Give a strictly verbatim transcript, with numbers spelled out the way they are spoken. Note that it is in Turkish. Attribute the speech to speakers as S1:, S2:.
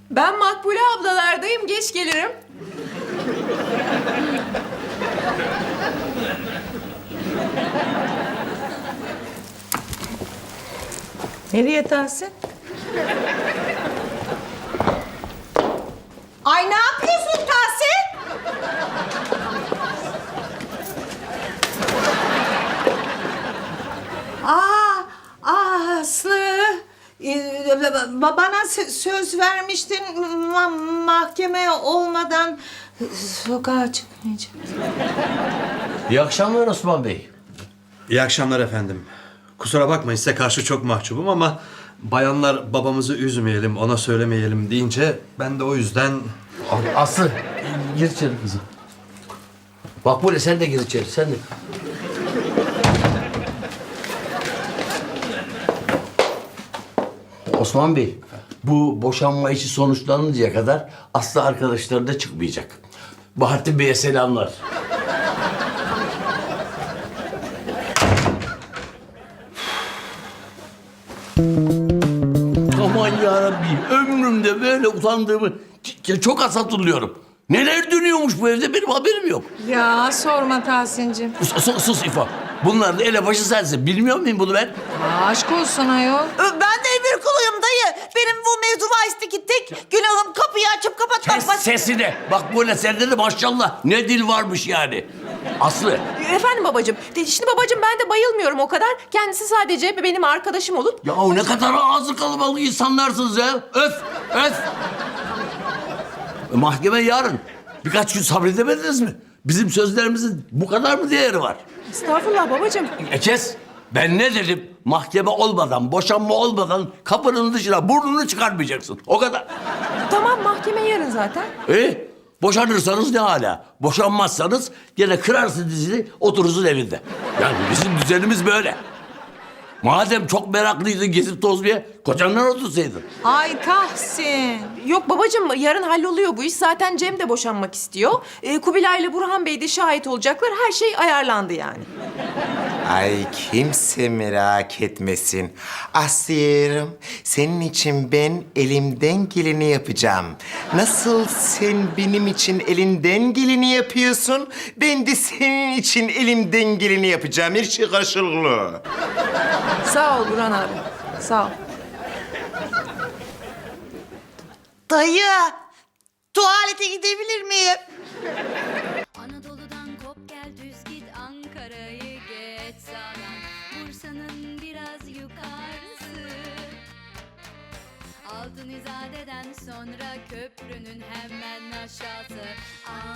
S1: Ben Makbule ablalardayım, geç gelirim.
S2: Nereye Tahsin? Ay ne yapıyorsun Tahsin? Aa, aa Aslı. Ee, ba- bana sö- söz vermiştin ma- mahkeme olmadan sokağa çıkmayacağım.
S3: İyi akşamlar Osman Bey.
S4: İyi akşamlar efendim. Kusura bakmayın, size karşı çok mahcubum ama bayanlar babamızı üzmeyelim, ona söylemeyelim deyince ben de o yüzden...
S3: Aslı gir içeri kızım. Bak böyle sen de gir içeri sen de. Osman Bey, bu boşanma işi sonuçlanıncaya kadar Aslı arkadaşları da çıkmayacak. Bahattin Bey'e selamlar. Aman yarabbim, ömrümde böyle utandığımı ç- çok az hatırlıyorum. Neler dönüyormuş bu evde benim haberim yok.
S2: Ya sorma Tahsin'cim.
S3: Sus, sus, sus İfo. Bunlar da elebaşı sensin. Bilmiyor muyum bunu ben?
S2: Aa, aşk olsun ayol.
S5: Ben de emir kuluyum dayı. Benim bu mevzu bahisindeki tek günahım kapıyı açıp kapatmak.
S3: Kes
S5: Baş-
S3: sesini. Bak böyle sende de maşallah ne dil varmış yani. Aslı.
S1: Efendim babacığım, de- şimdi babacığım ben de bayılmıyorum o kadar. Kendisi sadece benim arkadaşım olup...
S3: Ya ne kadar ağzı kalabalık insanlarsınız ya. Öf, öf. E, mahkeme yarın. Birkaç gün sabredemediniz mi? Bizim sözlerimizin bu kadar mı değeri var?
S1: Estağfurullah babacığım.
S3: E kes. Ben ne dedim? Mahkeme olmadan, boşanma olmadan kapının dışına burnunu çıkarmayacaksın. O kadar.
S1: Tamam, mahkeme yarın zaten.
S3: E boşanırsanız ne hala? Boşanmazsanız gene kırarsın dizini, oturursun evinde. Yani bizim düzenimiz böyle. Madem çok meraklıydın gezip tozmaya, kocandan otursaydın.
S2: Ay Tahsin.
S1: Yok babacığım, yarın halloluyor bu iş. Zaten Cem de boşanmak istiyor. Ee, Kubilay ile Burhan Bey de şahit olacaklar. Her şey ayarlandı yani.
S6: Ay kimse merak etmesin. Aslı'yım, senin için ben elimden geleni yapacağım. Nasıl sen benim için elinden geleni yapıyorsun, ben de senin için elimden geleni yapacağım. Her şey karşılıklı.
S1: Sağ ol Burhan abi. Sağ ol.
S5: Dayı, tuvalete gidebilir miyim?
S7: Anadolu'dan kop gel düz git Ankara'yı geç sağdan Bursa'nın biraz yukarısı Altın İzade'den sonra köprünün hemen aşağısı